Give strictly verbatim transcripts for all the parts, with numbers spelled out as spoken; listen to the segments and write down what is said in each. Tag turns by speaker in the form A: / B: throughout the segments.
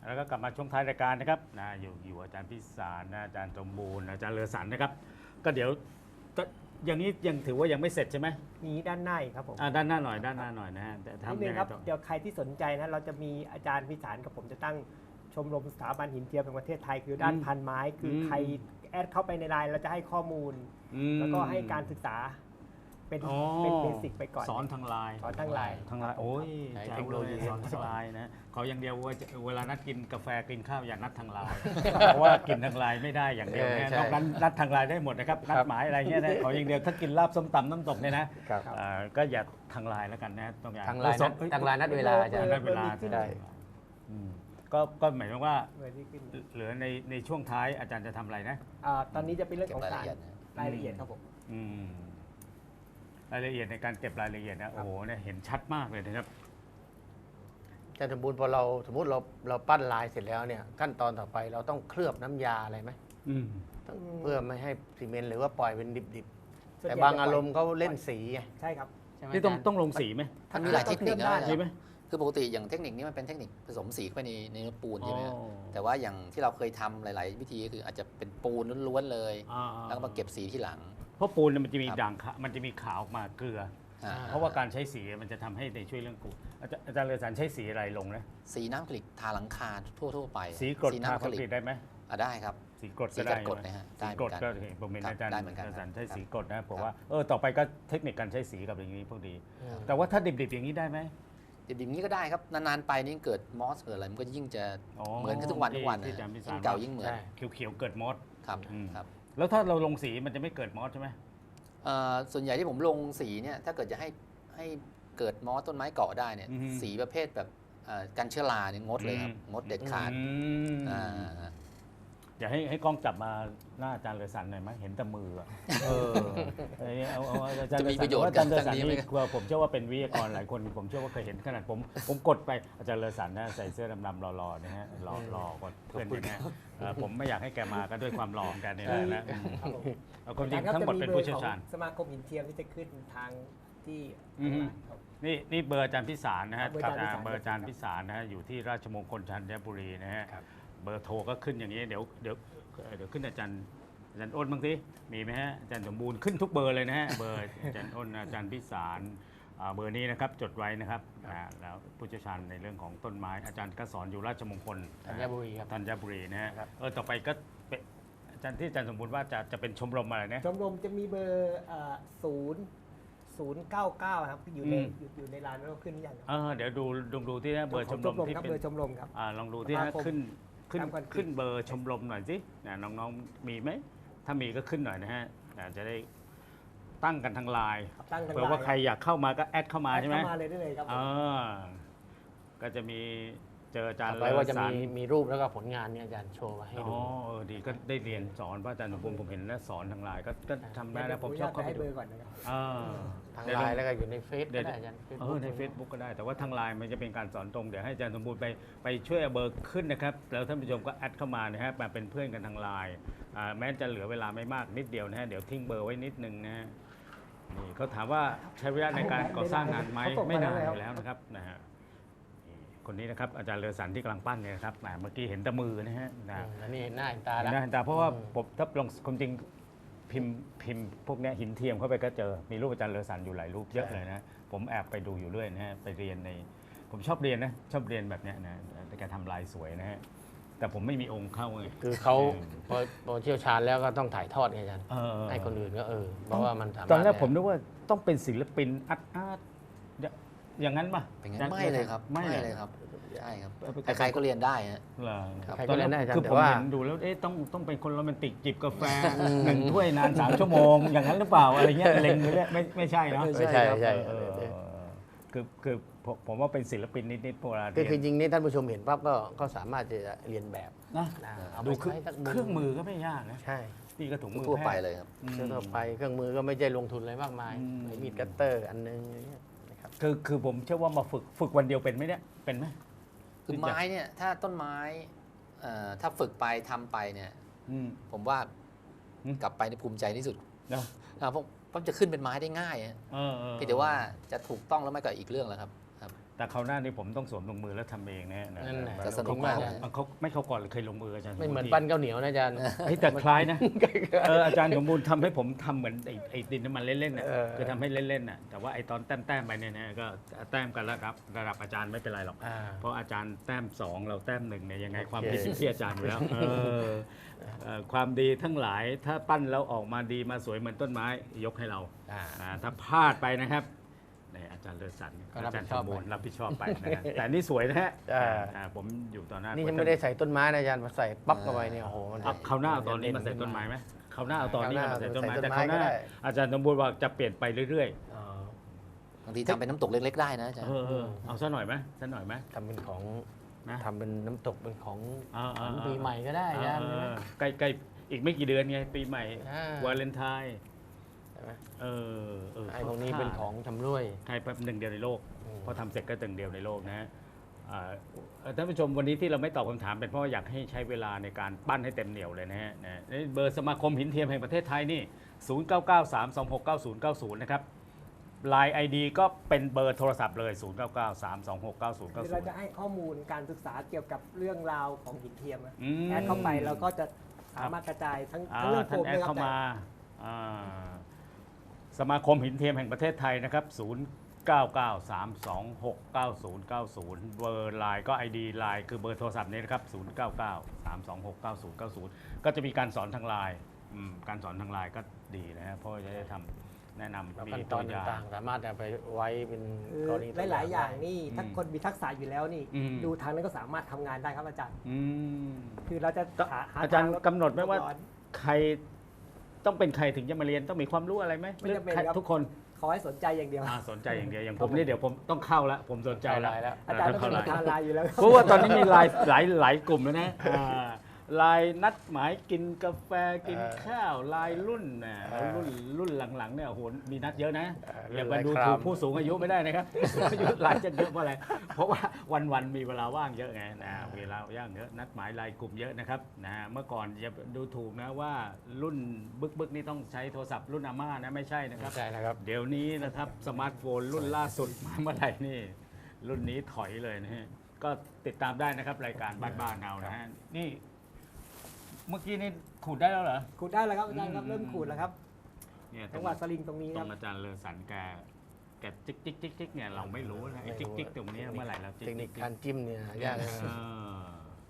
A: แล้วก็กลับมาช่วงท้ายรายการนะครับนะอยู่อยู่อาจารย์พิสารนะอาจารย์สมบูรณ์อาจารย์เลอสันนะครับก็เดี๋ยวก็อย่างนี้ยังถือว่ายังไม่เสร็จใช่ไหม
B: มีด้านหน้าอีกครับผม
A: อ่าด้านหน้าหน่อยด้านหน้าหน่อยนะฮะแต่
B: นิด
A: ทำ
B: นึ
A: ยัง งไง
B: ครับ
A: ต่อ
B: เดี๋ยวใครที่สนใจนะเราจะมีอาจารย์พิสารกับผมจะตั้งชมรมสถาบันหินเทียมแห่งประเทศไทยคือด้านพันไม้คือใครแอดเข้าไปในไลน์เราจะให้ข้อมูล
A: อืม
B: แล้วก็ให้การศึกษาเป็น
A: อ๋อ
B: เป็นเบสิกไปก่อน
A: สอนทางไลน์
B: สอนทางไลน์
A: ทางไลน์โอ้ย
C: ใช้
A: แจ๋
C: เท
A: ว
C: คโน
A: เล
C: โลยี
A: ยสอนทางไลน์นะขออย่างเดียวว่าจะเวลานัดกินกาแฟกินข้าวอย่านัดทางไลน์ เพราะว่ากินทางไลน์ไม่ได้อย่างเดียว
C: เออ
A: นะ
C: ใช่
A: นอกนั้นนัดทางไลน์ได้หมดนะครับนัดหมายอะไรเงี้ยนะขออย่างเดียวถ้ากินลาบส้มตำน้ำตกเนี่ยนะครับ เอ่อก็อย่าทางไลน์แล้วกันนะต้องอย่าง
C: ทางไลน์นัด
A: เอ้ย
C: ทางไลน์นัดเวลาอาจารย์
A: นัดเวลา
B: ขึ้น
C: ได้
A: อืมก็ก็หมายความว่า
B: เบอร์ที่ขึ้น
A: เหลือในในช่วงท้ายอาจารย์จะทำอะไรนะ
B: อ่าตอนนี้จะเป็นเรื่อง
D: เก็
B: ข
D: บ
B: อง
D: ราย
B: สา
D: ละ
B: ร
D: เอียดนะ
B: รายละเอียดครับผม
A: อืมรายละเอียดในการเก็บรายละเอียดนะโอ้โหเนี่ยเห็นชัดมากเลยนะครับ
C: อาจารย์สมบูรณ์พอเราสมมติเราเราปั้นลายเสร็จแล้วเนี่ยขั้นตอนต่อไปเราต้องเคลือบน้ำยาอะไรไหม
A: อืม
C: ต้องเพื่อไม่ให้ซีเมนต์หรือว่าปล่อยเป็นดิบ
B: ส่วน
C: ๆแต่
B: ใหญ่
C: บาง
B: จะปล่อย
C: อารมณ์เขาเล่นสีไง
B: ใช่ครับ
C: ใช่ไหม
A: นี่ต้อง
C: าจารย์
A: ต้องลงสีไหม
D: มันมีหลายเทคนิคนะ
A: มีไหม
D: คือปกติอย่างเทคนิคนี้มันเป็นเทคนิคผสมสีเข้าไปในในเนื้อปูนใช่ไหมฮะ
A: อ๋อ
D: แต่ว่าอย่างที่เราเคยทำหลาย ๆ วิธีก็คืออาจจะเป็นปูนล้วนๆเลย
A: อ่า
D: แล้วก็มาเก็บสีที่หลัง
A: เพราะปูนเนี่ยมันจะมี
D: ครับ
A: ด่างขาวมันจะมีขาวออกมาเกลือ
D: อ่
A: เพราะว่าการใช้สีมันจะทำให้ในช่วยเรื่องปูนอาจารย์อาจารย์เลอสันใช้สีอะไรลงนะ
D: สีน้ำกลิกทาหลังคาทั่ว ๆ ไป
A: สีกรดทา
D: น้ำ
A: คอนกรีตได้ไหม
D: อ่ะได้ครับ
A: สีกรด
D: สี
A: ก็ได้
D: กรด
A: ใช่ไหม
D: นะฮะ
A: สี
D: ได้
A: กรด
D: เหมือน
A: ก็
D: กัน
A: เห็นผมเห็น
D: ครับ
A: อาจารย์
D: ได้เหมือนกัน
A: อาจารย์ใช้
D: ครับ
A: สีกรดนะผม
D: ครับ
A: ว่าเออต่อไปก็เทคนิคการใช้สีกับอย่างนี้พวกดี
C: อืม
A: แต่ว่าถ้าดิบๆอย่างนี้ได้ไหม
D: ดิบๆนี้ก็ได้ครับ นาน ๆ ไปนี่เกิดมอสเกิดอะไรมันก็ยิ่งจะ
A: อ๋อ
D: เหมือนขึ้นทุกวันทุกวัน
A: ที่
D: นะ
A: อาจารย์พิสาร
D: ยิ่งเก่ายิ่งเหมือน
C: ใช่
A: เขียวๆเกิดมอส
D: ครับ
A: อืม
D: ครับ
A: แล้วถ้าเราลงสีมันจะไม่เกิดมอสใช่ไหม
D: เอ่อส่วนใหญ่ที่ผมลงสีเนี่ยถ้าเกิดจะให้ให้เกิดมอสต้นไม้เกาะได้เนี่ยสีประเภทแบบเอ่อกันเชื้อราเนี่ยงดเลยครับงดเด็ดขาด
A: อืม
D: อ่า
A: อย่าให้ให้กล้องจับมาหน้าอาจารย์เลอสันหน่อยไหมเห็นแต่มืออะเออเอาเอาเอาอาจารย์
D: จะ
A: เล
D: มี
A: อสั
D: ประโยชน์
A: ว่าอาจารย์เลอสัน
D: กับทางนี้ไหม
A: นี่กลัวผมเชื่อว่าเป็นวิทยากรหลายคนผมเชื่อว่าเคยเห็นขนาดผมผมกดไปอาจารย์เลอสันนะใส่เสื้อดำๆรอๆนะฮะรอรอกว่าเพื่อนอย่างเงี้ยเออผมไม่อยากให้แกมาก็ด้วยความหล่อของแกนี่แหละนะอืม
B: ครับผม
A: เอาความจริงทั้งหมดเป็นผู้เชี่ยวชาญ
B: สมาคมหินเทียมที่จะขึ้นทางที่
A: อืม
B: ครับ
A: นี่นี่เบอร์อาจารย์พิสารนะฮะ
B: เบอร์อาจารย์พิสาร
A: เบอร์อาจารย์พิสารนะฮะอยู่ที่ราชมงคลธัญบุรีนะฮะ
C: ครับ
A: เบอร์โทรก็ขึ้นอย่างนี้เดี๋ยวเดี๋ยวเดี๋ยวขึ้นอาจารย์อาจารย์อ้นบ้างสิมีไหมฮะอาจารย์สมบูรณ์ขึ้นทุกเบอร์เลยนะฮะเบอร์อาจารย์อ้นอาจารย์พิสารอ่าเบอร์นี้นะครับจดไว้นะครับอ่าแล้วผู้เชี่ยวชาญในเรื่องของต้นไม้อาจารย์ก็สอนอยู่ราชมงคล
C: ธัญบุรีครับ
A: ธัญบุรีนะฮะ
C: ครับ
A: เออต่อไปก็เป็นอาจารย์ที่อาจารย์สมบูรณ์ว่าจะจะเป็นชมรมอะไรนะ
B: ชมรมจะมีเบอร์ศูนย์ศูนย์เก้าเก้าครับอยู่ใน
A: อืม
B: อยู่อยู่ในร้านแล้วขึ้นหรือยังครับ
A: เออเดี๋ยวดูดูดูที่นะเบอร์ชมรมที่
B: ครับ
A: เป็น
B: เบอร์ชมรมครับ
A: อ่าลองดูที่
B: สมา
A: นะ
B: คม
A: ขึ้นขึ้น
B: ตามกัน
A: ขึ้นเบอร์ชมรมหน่อยสินะน้องๆมีไหมถ้ามีก็ขึ้นหน่อยนะฮะอ่าจะได้ตั้งกันทางไลน์
B: ตั้งกัน
A: เผื่อว่าใครอยากเข้ามาก็แอดเข้ามาใช่ไหม
B: เข้ามาเลยได้เลยครับผม
A: อ่าก็จะมีเจออาจารย์
C: ต่อไปว่าจะ
A: เลอสั
C: มี
A: น
C: มีรูปแล้วก็ผลงานเนี่ยอาจารย์โชว์มาให้
A: อ๋
C: ดู
A: อเออดีก็ได้เรียนสอนเพราะอาจารย์สมบูรณ์ผมเห็นแล้วสอนทางไลน์ก็ก็ทำได้นะผมชอบเข้าไป
B: ให้
A: ดู
B: เบอร์ก่อนนะครับ
A: อ่า
C: ทาง
A: เดี๋ยว
C: ไล
A: ลอง
C: น์แล้วก็อยู่ในเฟซ
A: เดี๋
C: ก็
A: ยว
C: ได้อาจารย์
A: เออใน Facebook ก็ได้ แต่ว่าทางไลน์มันจะเป็นการสอนตรง เดี๋ยวให้อาจารย์สมบูรณ์ไปไปช่วยเอาเบอร์ขึ้นนะครับ แล้วท่านผู้ชมก็แอดเข้ามานะฮะมาเป็นเพื่อนกันทางไลน์อ่าแม้จะเหลือเวลาไม่มากนิดเดียวนะฮะเดี๋ยวทิ้งเบอร์ไว้นิดนึงนะฮะนี่เขาถามว่าใช้เวลาในการก่อสร้างงานไหมไม่นานอยู่แล้วนะครับนะฮะนี่คนนี้นะครับอาจารย์เลอสันที่กำลังปั้นเนี่ยนะครับแหมเมื่อกี้เห็นแต่มือนะฮะนะ
C: อันนี้เห็นหน้าเห็นตา
A: เห็
C: แล้ว
A: นหน้าเห็นตาเพราะว่า
C: อืม
A: ผมถ้าลองความจริงพิมพ์พิมพ์พวกเนี้ยหินเทียมเข้าไปก็เจอมีรูปอาจารย์เลอสันอยู่หลายรูปเยอะเลยนะผมแอบไปดูอยู่เรื่อยนะฮะไปเรียนในผมชอบเรียนนะชอบเรียนแบบเนี้ยนะแต่แกทำลายสวยนะฮะแต่ผมไม่มีองค์เข้าไง
C: คือเขาพอพอเชี่ยวชาญแล้วก็ต้องถ่ายทอดไงอาจารย์
A: เออ
C: ให้คนอื่นก็เออ เพราะว่ามันสามารถ
A: ตอนแรกผมนึกว่าต้องเป็นศิลปินอาร์ตอาร์ตอย่างนั้นป่ะ
D: เป็นงั้นไม่เลยครับ
A: ไม่เลย
D: ครับใช่ครับ
A: เอาไป
D: ใครๆก็เรียนได้ฮะ
A: เหรอ
D: ครับ
C: ใครก็เล่นได้อาจาร
A: คือ
C: ย์แต่
A: ผม
C: ว่า
A: เห็นดูแล้วเอ๊ะต้องต้องเป็นคนโรแมนติกจิบกาแฟหนึ่งถ้วยนานสามชั่วโมง อย่างนั้นหรือเปล่าอะไรเงี้ยเล็งไปเรื่อยไม่ไม่ใช่เนาะ
C: ไม่ใช่ไม่ใช่
A: เออเออเออคือคือผมผมว่าเป็นศิลปินนิดๆพวกเรา
C: คือคือจริงนี่ท่านผู้ชมเห็นปั๊บก็ก็สามารถจะเรียนแบบ
A: นะ
C: นะเอา
A: ดู
C: ไป
A: เครื่อง
C: ใช้สัก
A: เครื่องมือก็ไม่ยากนะ
C: ใช่
A: ตีกระถุงมือ
D: ทั่ว
A: แพ
D: ไป
A: ทย์
D: เลยครับ
A: อืม
C: เครื่องทั่วไปเครื่องมือก็ไม่ใช่ลงทุนอะไรมากมาย
A: อืม
C: ไอ้มีดคัตเตอร์อันนึงอย่างเงี้ยนะครับ
A: คือคือผมเชื่อว่ามาฝึกฝึกวันเดียวเป็นไหมเนี่ยเป็นไหม
D: คือไม้เนี่ยถ้าต้นไม้เอ่อถ้าฝึกไปทำไปเนี่ย
A: อืม
D: ผมว่า
A: อืม
D: กลับไปในภูมิใจที่สุด
A: เนาะ
D: นะครับเพราะเพราะจะขึ้นเป็นไม้ได้ง่ายฮะ
A: เออเออ
D: เพียงแต่ว่าจะถูกต้องแล้วไม่ก็อีกเรื่องแล้วครับครับ
A: แต่คราวหน้านี่ผมต้องสวมลงมือแล้วทำเองนะฮะ
C: นั่นแหละ
D: จะสนุกมากเลย
A: เขาไม่เข้าก่อนหรือเคยลงมืออาจารย์
C: ไม่เหมือนปั้นข้าวเหนียวนะอาจารย์
A: เฮ้ยแต่คล้ายนะเอออาจารย์สมบูรณ์ทำให้ผมทำเหมือนไอ้ไอ้ดินน้ำมันเล่นๆน่ะ
C: เออ
A: คือทำให้เล่นๆน่ะแต่ว่าไอ้ตอนแต้มๆไปเนี่ยนะก็แต้มกันแล้วครับระดับอาจารย์ไม่เป็นไรหรอก
C: อ่า
A: เพราะอาจารย์แต้มสองเราแต้มหนึ่งเนี่ยยังไง
C: โอเค
A: ความผิดอยู่ที่อาจารย์อยู่แล้วเออเอ่อความดีทั้งหลายถ้าปั้นแล้วออกมาดีมาสวยเหมือนต้นไม้ยกให้เรา
C: อ่า
A: อ่าถ้าพลาดไปนะครับนี่อาจารย์เลิศสัน
C: ก็รับ
A: อาจารย์
C: ผิดชอบ
A: สมบูรณ์
C: ไป
A: รับผิดชอบไปนะฮะแต่นี่สวยนะฮะ
C: อ่า
A: อ่าผมอยู่ต่อหน้า
C: นี่
A: นี่
C: ยังไม่ได้ใส่ต้นไม้นะอาจารย์มาใส่ปั๊บเข้าไปเนี่ยโอ้โหมัน
A: คราวหน้าเอาตอนนี้มาใส่ต้นไม้ไหมคราวหน้าเอาตอนนี้มาใส่ต้นไม้
C: ใส่ต้
A: แต่
C: น
A: ค
C: ไม้
A: ราวหน้า
C: ก็ได้
A: อาจารย์สมบูรณ์ว่าจะเปลี่ยนไปเรื่อย
C: อ๋อบ
D: างทีทำเป็นน้ำตกเล็กๆได้นะอาจาร
A: ๆ
D: ย์
A: เออเออเอาซะหน่อยไหมซะหน่อยไหม
C: ทำเป็นของ
A: นะ
C: ทำเป็นน้ำตกเป็นของ
A: อ่า
C: ข
A: อ่า
C: อง
A: อ่า
C: ปีใหม่ก็ได้อาจารย์
A: เอ
C: ใช่ไหม
A: อใกล้ใกล้อีกไม่กี่เดือนไงปีใหม่
C: อ่า
A: วาเลนไทน์
C: ใช่ไหม
A: เออเออ
C: ไอ้พวกนี้เป็นของชำร่วย
A: ใครแป๊บหนึ่งเดียวในโลก
C: อืม
A: พอทำเสร็จก็หนึ่งเดียวในโลกนะอ่าเอ่อท่านผู้ชมวันนี้ที่เราไม่ตอบคำถามเป็นเพราะว่าอยากให้ใช้เวลาในการปั้นให้เต็มเหนียวเลยนะฮะนะนี่เบอร์สมาคมหินเทียมแห่งประเทศไทยนี่ ศูนย์ เก้า เก้า สาม สอง หก เก้า ศูนย์ เก้า ศูนย์ นะครับ ไลน์ ไอ ดี ก็เป็นเบอร์โทรศัพท์เลย ศูนย์ เก้า เก้า สาม สอง หก เก้า ศูนย์ เก้า
B: คือ
A: ศู
B: เรา
A: นย์
B: จะให้ข้อมูลการศึกษาเกี่ยวกับเรื่องราวของหินเทียมอะ
A: อืม
B: แอดเข้าไปเราก็จะสามารถกระจายทั้ง
A: อ่า
B: ทั้งเรื่องโฟ
A: ท่าน
B: ม
A: แอ
B: ด้ว
A: ด
B: ยครับ
A: เข้ามาอ่าสมาคมหินเทียมแห่งประเทศไทยนะครับ ศูนย์ เก้า เก้า สาม สอง หก เก้า ศูนย์ เก้า ศูนย์ เบอร์ไลน์ก็ ไอ ดี ไลน์คือเบอร์โทรศัพท์นี้นะครับ ศูนย์ เก้า เก้า สาม สอง หก เก้า ศูนย์ เก้า ศูนย์ ก็จะมีการสอนทางไลน์อืมการสอนทางไลน์ก็ดีนะฮะเพราะว่าจะได้ทำแนะนำ
C: แล้ว
A: มี
C: ขั้นต
A: ตั
C: อ
A: วน อย่าง
C: ต่างๆ สามารถเอาไปไว้เป็น
B: คือก
C: รณีตัว
B: หลายๆอย่าง
C: ได้
B: นี่ถ้า
A: อืม
B: คนมีทักษะอยู่แล้วนี่
A: อืม
B: ดูทางนั้นก็สามารถทำงานได้ครับอาจารย์
A: อืม
B: คือเราจะหาห
A: อาจารย์
B: ทงลด
A: กำหนดไหมว่า
B: ลร้อน
A: ใครต้องเป็นใครถึงจะมาเรียนต้องมีความรู้อะไรไหม
B: ไม่จำเป็น
A: หรือ
B: ครับ
A: ทุกคน
B: ขอให้สนใจอย่างเดียว
A: อ่าสนใจอย่างเดียวอย่างผมนี่เดี๋ยวผมต้องเข้าแล้วผมสนใจแล้ว
C: เข้าไลน์แล้ว
B: อาจารย์ต้อง
A: เข้า
B: เป็น
A: ไล
B: ประธาน
A: น์
B: ไลน์อยู่แล้วครับ
A: เพราะว่าตอนนี้มีไลน์หลายหลายกลุ่มแล้วนะอ่าไลน์นัดหมายกินกาแฟกิน
C: เออ
A: ข้าวไลน์รุ่นนะ
C: เออ
A: รุ่นรุ่นหลังๆเนี่ยโอ้โหมีนัดเยอะนะ
C: เออ
A: อย่ามาดู
C: รุ่นไลน์
A: ถูก
C: คราม
A: ผู้สูงอายุไม่ได้นะครับผู้สูงอายุไลน์จะเยอะเพราะอะไรเพราะว่าวันๆมีเวลาว่างเยอะไงนะเวลาว่างเยอะนัดหมายไลน์กลุ่มเยอะนะครับนะเมื่อก่อนอย่าดูถูกนะว่ารุ่นบึกบึกๆนี่ต้องใช้โทรศัพท์รุ่นอาม่านะไม่ใช่นะครับ
C: ใช่นะครับ
A: เดี๋ยวนี้นะครับสมาร์ทโฟนรุ่นล่าสุดมาเมื่อไหร่นี่ รุ่นนี้ถอยเลยนะฮะก็ติดตามได้นะครับรายการบ้านๆเรานะฮะนี่เมื่อกี้นี่ขูดได้แล้วเหรอ
B: ขูดได้แล้วครับอาจารย์ครับ
A: อืม
B: เริ่มขูดแล้วครับ
A: เนี่ยตร
B: จัง
A: ง
B: หวะสลิงตรงนี้
A: ต
B: ค
A: ร
B: รับ
A: งอาจารย์เลอสันแกแกจิ๊กจิ๊กจิ๊กจิ๊กเนี่ยเราไม่รู้นะไอ้จิ๊กจิ๊กตรงเนี้ยเมื่อไหร่เราจิ๊ก
C: เทคนิค
A: จิ๊ก
C: การจิ้มเนี่ยยากนะ
A: เออ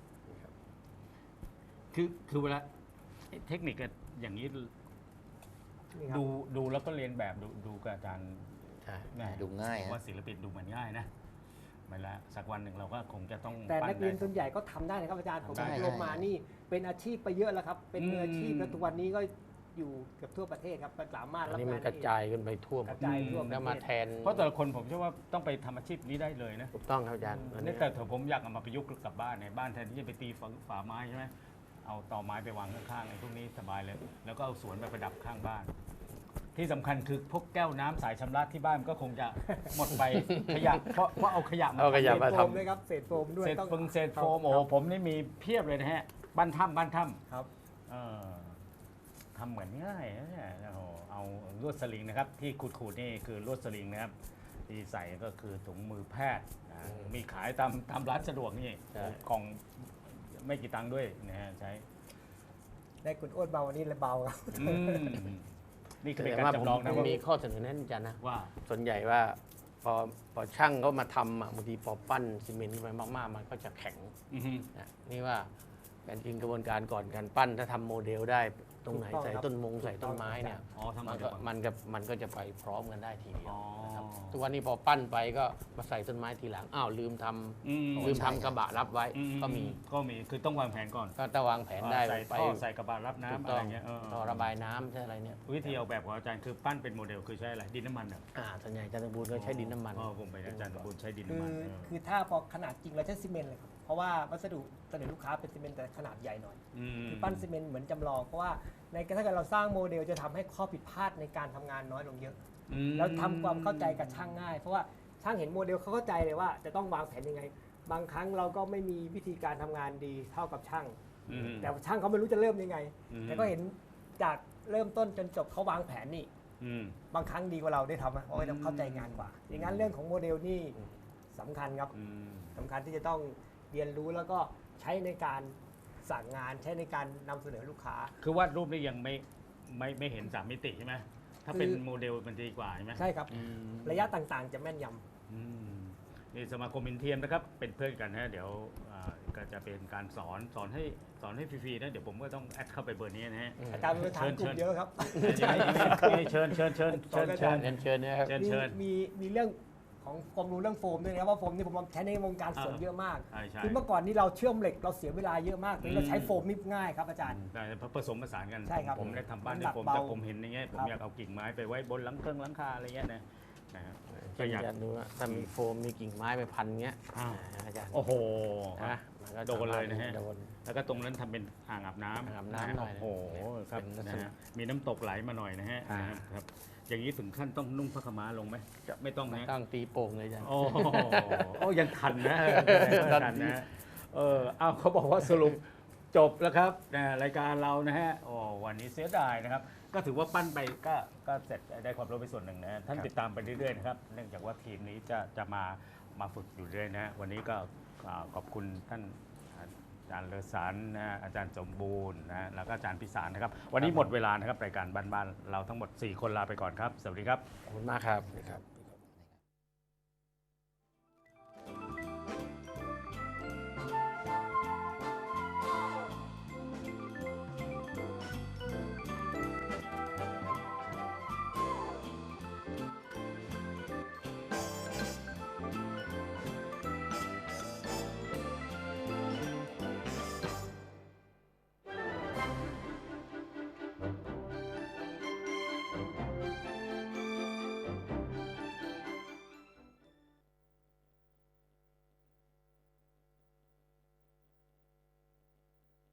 A: คือคือเวลาไอ้เทคนิคอย่างนี้
B: นี่ครับ
A: ดูดูแล้วก็เรียนแบบดูดูกับอาจารย์
C: ใช่
A: แหม่
D: ดูง่าย
A: ผม
D: ฮะ
A: ว่าศิลปินดูเหมือนง่ายนะไม่ละสักวันหนึ่งเราก็คงจะต้อง
B: แต่
A: ปั้
B: นักเรียน
A: ได้
B: ส่วนใหญ่ก็ทำได้นะครับอาจารย์ผม
A: ได้
B: อบรมมานี่เป็นอาชีพไปเยอะแล้วครับ เป็นมืออาชีพ
A: อืม
B: แล้วทุกวันนี้ก็อยู่เกือบทั่วประเทศครับสามารถ
C: อัน
B: รับ
C: นี้
B: งา
C: มัน นกระจายกันไปทั่วหม
B: ก
C: ด
B: ระจายทั่วประ
C: แล้ว
B: เท
C: มา
B: ศ
C: แทน
A: เพราะแต่ละคนผมเชื่อว่าต้องไปทำอาชีพนี้ได้เลยนะ
C: ถูกต้องครับอาจารย์อัน
A: นี่
C: นี้
A: แต่ผมอยากเอามาประยุกต์กับบ้านในบ้านแทนที่จะไปตีฝาฝาไม้ใช่ไหมเอาตอไม้ไปวางข้างๆไอ้พวกนี้สบายเลย แล้วก็เอาสวนไปประดับข้างบ้าน ที่สำคัญคือพวกแก้วน้ำสายชำระที่บ้านมันก็คงจะหมดไปขยะเพราะเพราะเอาขยะมา
C: เอาขยะ
B: เศษ
C: มา
B: โฟ
C: ท
B: มด้วยครับเศษโฟมด้วย
A: เศษ
B: ต้อง
A: ฟงเศษโฟม
B: ครับ
A: โอ้ผมนี่มีเพียบเลยนะฮะบ้านถ้ำบ้านถ้ำ
B: ครับ
A: เออทำเหมือนง่ายนะเนี่ยโอ้โหเอาลวดสลิงนะครับ ที่ขูดๆนี่คือลวดสลิงนะครับ ที่ใส่ก็คือถุงมือแพทย์นะมีขายตามตามร้านสะดวกนี่กล่องไม่กี่ตังค์ด้วยนะฮะใช้
B: ได้คุณโอ๊ตเบาวันนี้เลยเบาครับ
A: อืมนี่คือเป็น
C: แต่
A: การ
C: ว่าผม
A: จำลองนะ
C: ผม
A: ว่า
C: มีข้อเสนอแนะอาจารย์นะ
A: ว่า
C: ส่วนใหญ่ว่าพอพอช่างเขามาทำอ่ะบางทีพอปั้นซีเมนต์ไปมากๆ มันก็จะแข็ง
A: อือฮึ
C: นะนี่ว่าการจริงกระบวนการก่อนการปั้นถ้าทำโมเดลได้ตรงไหน
B: ถูกต้อง
C: ใส่
B: ครับ
C: ต้นมง
B: ถูกต้อง
C: ใส่ต้นไม้เนี่ย
A: อ๋อทำ
C: มั
A: มาน
C: ก็
A: จาก
C: มันก็มันก็จะไปพร้อมกันได้ทีเดียว
A: อ๋อ
C: นะครับทุกวันนี้พอปั้นไปก็มาใส่ต้นไม้ทีหลังอ้าวลืมทำ
A: อืม
C: ลืมทำกระบะรับไว้
A: อื
C: ก็มี
A: ก็มีคือต้องวางแผนก่อน
C: ก็ต้องวางแผนได้
A: ใส่
C: ไป
A: ท่อใส่กระบะรับ
C: ถู
A: น้ำ
C: ก
A: อะ
C: ต้
A: ไร
C: อง
A: เงี้ยเออ
C: ท่อระบายน้ำใช่อะไรเนี่ย
A: วิธีออกแบบของอาจารย์คือปั้นเป็นโมเดลคือใช้อะไรดินน้ำมันเหรอ
C: อ่าส่วนใหญ่อาจารย์สมบูรณ์ก็ใช้ดินน้ำมัน
A: อ๋อผมไปอาจารย์สมบูรณ์ใช้ดิน
B: คื
A: น้ำ
B: อ
A: มันเออ
B: คือถ้าพอขนาดจริงเราใช้ซีเมนต์เลยครับเพราะว่าวัสดุเสนอลูกค้าเป็นซีเมนต์แต่ขนาดใหญ่หน่อย
A: ม
B: คือปั้นซีเมนต์เหมือนจำลองเพราะว่าในถ้าเกิดเราสร้างโมเดลจะทำให้ข้อผิดพลาดในการทำงานน้อยลงเยอะ
A: อืม
B: แล้วทำความเข้าใจกับช่างง่าย เพราะว่าช่างเห็นโมเดลเขาเข้าใจเลยว่าจะต้องวางแผนยังไง บางครั้งเราก็ไม่มีวิธีการทำงานดีเท่ากับช่าง
A: อืม
B: แต่ช่างเขาไม่รู้จะเริ่มยังไง
A: อืม
B: แต่ก็เห็นจากเริ่มต้นจนจบเขาวางแผนนี่
A: อืม
B: บางครั้งดีกว่าเราได้ทำนะเพราะว่าเราเข้าใจงานกว่า อย่างนั้นเรื่องของโมเดลนี่สำคัญครับ
A: อืม
B: สำคัญที่จะต้องเรียนรู้แล้วก็ใช้ในการสั่งงานใช้ในการนำเสนอลูกค้า
A: คือวาดรูปนี่ยังไม่ไม่ไม่เห็นสามมิติใช่ไหมถ้าเป็น
B: คือ
A: โมเดลมันดีกว่าใช่ไหม
B: ใช่ครับ
A: อืม
B: ระยะต่างๆ จะแม่นยำ
A: อืมนี่สมาคมอินเทียมนะครับเป็นเพื่อนกันนะเดี๋ยวอ่าก็จะเป็นการสอนสอนให้สอนให้ฟรีๆนะเดี๋ยวผมก็ต้องแอดเข้าไปเบอร์นี้นะฮะ
B: อาจารย์มีฐานกลุ่มเยอะครับ
A: เชิญเชิญเชิญเชิญเชิญ
C: เรียนเชิญนะครับ
A: เชิญ
B: มี
A: เชิญ
B: มีมีเรื่องของความรู้เรื่องโฟมด้วยนะครับว่าโฟมนี่ผมใช้ในวงการสวน
A: อ่า
B: เยอะมาก
A: ใช่ใช่
B: คือเมื่อก่อนนี่เราเชื่อมเหล็กเราเสียเวลาเยอะมากตอนนี้เราใช้โฟมนี่ง่ายครับอาจารย์
A: ได้ผสมผสานกัน
B: ใช่ครับ
A: ผมได้ทำบ้าน
B: น้ำ
A: ใน
B: หนัก
A: ผม
B: เบา
A: แต่ผมเห็นอย่างเงี้ยผม
B: ครับ
A: อยากเอากิ่งไม้ไปไว้บนหลังเครื่องหลังคาอะไรเงี้ยนะนะครับ
C: ก็อยากจะดูว่าถ้ามีโฟมมีกิ่งไม้ไปพันเงี้ย
A: อ้าว
C: อาจารย์
A: โอ้โห
C: นะมันก็
A: โดนเลยนะฮะ
C: โดน
A: แล้วก็ตรงนั้นทำเป็นอ่างอาบน้ำ
C: อ่างอาบน้ำหน่อยนะ
A: โอ้โหครับ
C: เป็นลัก
A: นะ
C: ษณะ
A: ฮะมีน้ำตกไหลมาหน่อยนะฮะ
C: อ่า
A: นะครับ อย่างนี้ถึงขั้นต้องนุ่งผ้าขาวม้าลงไหมไม่ต้อง
C: ไม่
A: นะ
C: ต้องตีโป่งเลยอาจารย์
A: โอ้โหโอ้ยังทันนะ
C: ทัน
A: ทันนะเอออ้าวเขาบอกว่าสรุปจบแล้วครับนะรายการเรานะฮะโอ้วันนี้เสียดายนะครับ ก็ถือว่าปั้นไปก็ก็เสร็จได้ความรู้ไปส่วนหนึ่งนะฮะท่านติดตามไปเรื่อยๆนะครับเนื่องจากว่าทีมนี้จะจะมามาฝึกอยู่เรื่อยนะฮะวันนี้ก็อ่าขอบคุณท่านอาจารย์เลอสันนะฮะอาจารย์สมบูรณ์นะฮะแล้วก็อาจารย์พิสารนะครับ วันนี้หมดเวลานะครับรายการบ้านๆเราทั้งหมดสี่คนลาไปก่อนครับสวัสดีครับ
C: ขอบคุณมากครับ